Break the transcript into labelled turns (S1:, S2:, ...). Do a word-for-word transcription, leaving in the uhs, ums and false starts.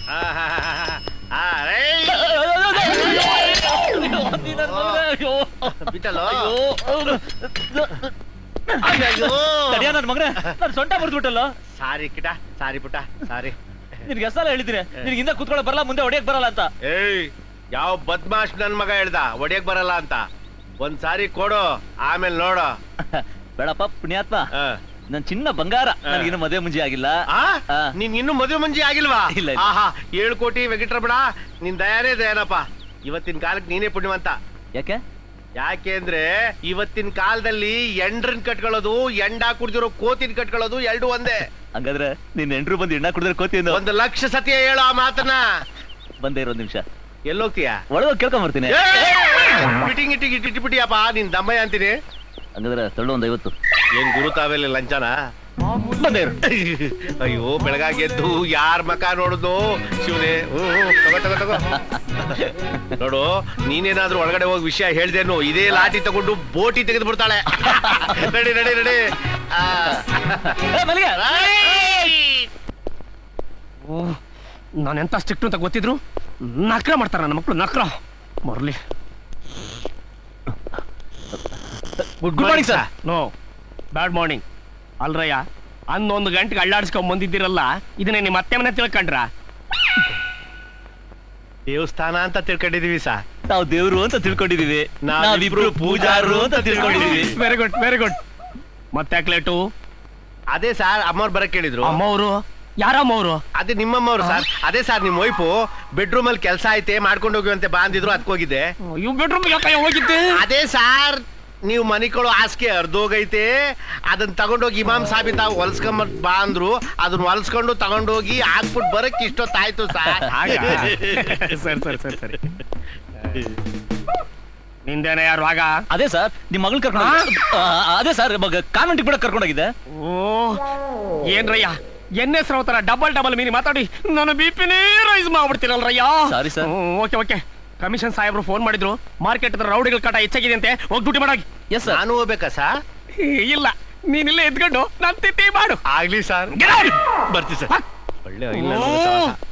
S1: ಬಿಟ್ಟಲ್ಲೋ
S2: ನನ್ ಮಗನೇ ನಾನು ಸೊಂಟ ಮುರಿದ್ಬಿಟ್ಟಲ್ಲ.
S1: ಸಾರಿ ಕಿಟ, ಸಾರಿ ಪುಟ್ಟ, ಸಾರಿ.
S2: ನಿನ್ಗೆ ಎಷ್ಟಲ್ಲ ಹೇಳಿದ್ದೀನಿ ನಿನ್ಗೆ ಹಿಂದೆ ಕೂತ್ಕೊಳ್ಳೋ ಬರಲ್ಲ, ಮುಂದೆ ಹೊಡಿಯಕ್ ಬರಲ್ಲ ಅಂತ.
S1: ಏಯ್, ಯಾವ ಬದ್ಮಾಶ್ ನನ್ ಮಗ ಹೇಳ್ದ ಹೊಡಿಯಕ್ ಬರಲ್ಲ ಅಂತ? ಒಂದ್ ಸಾರಿ ಕೊಡು, ಆಮೇಲೆ ನೋಡು.
S2: ಬೇಡಪ್ಪ ಪುಣ್ಯಾತ್ಮ, ನನ್ ಚಿನ್ನ ಬಂಗಾರ, ನನಗಿನ್ನು ಮದುವೆ ಮುಂಜಿ ಆಗಿಲ್ಲ.
S1: ನೀನ್ ಇನ್ನು ಮದುವೆ ಮುಂಜಿ ಆಗಿಲ್ವಾ?
S2: ಇಲ್ಲ.
S1: ಆಹಾ, ಏಳು ಕೋಟಿ ವೆಂಕಟರಮಣ, ನಿನ್ ದಯಾನೇ ದಯಾನಪ್ಪ. ಇವತ್ತಿನ ಕಾಲಕ್ಕೆ ನೀನೇ ಪುಣ್ಯವಂತ.
S2: ಯಾಕೆ?
S1: ಯಾಕೆ ಅಂದ್ರೆ ಇವತ್ತಿನ ಕಾಲದಲ್ಲಿ ಎಂಡ್ರನ್ ಕಟ್ಕೊಳ್ಳೋದು, ಎಂಡ ಕುಡ್ದಿರೋ ಕೋತಿನ ಕಟ್ಕೊಳ್ಳೋದು ಎರಡು ಒಂದೇ.
S2: ಹಂಗಾದ್ರೆ ನಿನ್ ಎಂಟ್ರು ಬಂದು ಎಣ್ಣ ಕುಡಿದ್ರೆ ಕೋತಿ
S1: ಒಂದು ಲಕ್ಷ ಸತಿ ಹೇಳೋ ಆ ಮಾತನ್ನ.
S2: ಬಂದೇ ಇರೋ ನಿಮಿಷ.
S1: ಎಲ್ಲೋಗ್ತೀಯಾ?
S2: ಒಳಗ ಕೇಳ್ಕೊಂಡ್ ಬರ್ತೀನಿ.
S1: ಮಿಟಿಂಗ್ ಇಟ್ಟಿಗೆ ಇಟ್ಟಿಬಿಟ್ಟಿಯಪ್ಪ ನಿನ್ ದಮ್ಮಯ್ಯ ಅಂತೀನಿ.
S2: ಹಂಗಾದ್ರೆ ತಳ್ಳು ಒಂದ್ ಐವತ್ತು.
S1: ಏನ್ ಗುರುತಾವೆಲ್ಲ ಲಂಚನ?
S2: ಬಂದೇ.
S1: ಅಯ್ಯೋ, ಬೆಳಗಾಗಿ ಎದ್ದು ಯಾರ ಮಕ ನೋಡುದು ಶಿವನೇ. ತಗೋ ತಗೋ ತಗೋ ನೋಡು, ನೀನೇನಾದ್ರೂ ಒಳಗಡೆ ಹೋಗಿ ವಿಷಯ ಹೇಳ್ದೇನು ಇದೇ ಲಾಠಿ ತಗೊಂಡು ಬೋಟಿ ತೆಗೆದು ಬಿಡ್ತಾಳೆ. ನಡಿ ನಡಿ ನಡಿ.
S3: ನಾನೆಂತ ಸ್ಟ್ರಿಕ್ಟ್ ಅಂತ ಗೊತ್ತಿದ್ರು ನಕ್ರ ಮಾಡ್ತಾರ ನನ್ನ ಮಕ್ಕಳು, ನಕ್ರ ಮರ್ಲಿ.
S2: Good morning sir.
S3: No, bad morning. ಅಲ್ರಯ್ಯ, ಹನ್ನೊಂದು ಗಂಟೆಗೆ ಅಳ್ಳಾಡ್ಸ್ಕೊಂಡ್ ಬಂದಿದ್ದೀರಲ್ಲ, ಇದನ್ನೇ ನಿಮ್ಮ ಅತ್ತೆ ಮನೆ ತಿಳ್ಕೊಂಡ್ರ?
S1: ದೇವಸ್ಥಾನ ಅಂತ ತಿಳ್ಕೊಂಡಿದೀವಿ ಸಾ.
S2: ನಾವು ದೇವ್ರು ಅಂತ ತಿಳ್ಕೊಂಡಿದೀವಿ, ನಾವಿಬ್ರು ಪೂಜಾರು ಅಂತ ತಿಳ್ಕೊಂಡಿದೀವಿ.
S3: Very good very good. ಮತ್ತೆ ಲೇಟು?
S1: ಅದೇ ಸಾರ್, ಅಮ್ಮವ್ರು ಬರಕ್ ಕೇಳಿದ್ರು.
S3: ಅಮ್ಮವ್ರು? ಯಾರಮ್ಮವ್ರು?
S1: ಅದೇ ನಿಮ್ಮಮ್ಮವ್ರು ಸರ್. ಅದೇ ಸರ್, ನಿಮ್ ವೈಫು ಬೆಡ್ರೂಮ್ ಅಲ್ಲಿ ಕೆಲಸ ಐತೆ ಮಾಡ್ಕೊಂಡು ಹೋಗುವಂತೆ ಬಾ ಅಂದಿದ್ರು, ಅದಕ್ಕೋಗಿದ್ದೆ.
S3: ಇವ್ ಬೆಡ್ರೂಮ್ ಹೋಗಿದ್ದೆ?
S1: ಅದೇ ಸಾರ್, ನೀವು ಮನಿಕೊಳ್ಳೋ ಹಾಸಿಗೆ ಅರ್ಧೋಗೈತೆ, ಅದನ್ನ ತಗೊಂಡೋಗಿ ಇಮಾಮ್ ಸಾಬಿತ ಹೊಲ್ಸ್ಕೊಂಬ ಬಾ ಅಂದ್ರು. ಅದನ್ನ ಹೊಲ್ಸ್ಕೊಂಡು ತಗೊಂಡೋಗಿ ಹಾಕ್ಬಿಟ್ಟು ಬರಕ್ ಇಷ್ಟೊತ್ತಾಯ್ತು ಸರ್.
S3: ಸರಿ ಸರಿ ಸರಿ ಸರಿ. ನಿಂದೇನ ಯಾರು ಆಗ?
S2: ಅದೇ ಸರ್, ನಿಮ್ ಮಗಳು ಕರ್ಕೊಂಡು. ಅದೇ ಸರ್, ಕಾನ್ವೆಂಟ್ ಕೂಡ ಕರ್ಕೊಂಡೋಗಿದ್ದೆ.
S3: ಓ ಏನ್ರಯ್ಯ, ಎನ್ ಎಸ್ ರಾವ್ ತರ ಡಬಲ್ ಡಬಲ್ ಮೀನಿ ಮಾತಾಡಿ ನಾನು ಬಿ ಪಿನೇ ರೈಸ್ ಮಾಡ್ಬಿಡ್ತೀರಲ್ರಯ್ಯ.
S2: Sorry sir.
S3: Okay okay. Commission ಸಾಹೇಬ್ರು ಫೋನ್ ಮಾಡಿದ್ರು, ಮಾರ್ಕೆಟ್ ರೌಡಿಗಳ ಕಾಟ ಹೆಚ್ಚಾಗಿದೆ ಅಂತೆ, ಹೋಗಿ ಡ್ಯೂಟಿ ಮಾಡಾಗಿ.
S2: Yes sir.
S1: ನಾನು ಹೋಗ್ಬೇಕಾ ಸರ್?
S3: ಇಲ್ಲ, ನೀನಿಲ್ಲೇ ಎದ್ಕೊಂಡು ನಾನು ತಿತ್ತಿ ಮಾಡು.
S1: ಆಗ್ಲಿ ಸರ್, ಬರ್ತೀವಿ ಸರ್. ಒಳ್ಳೆ ಇಲ್ಲ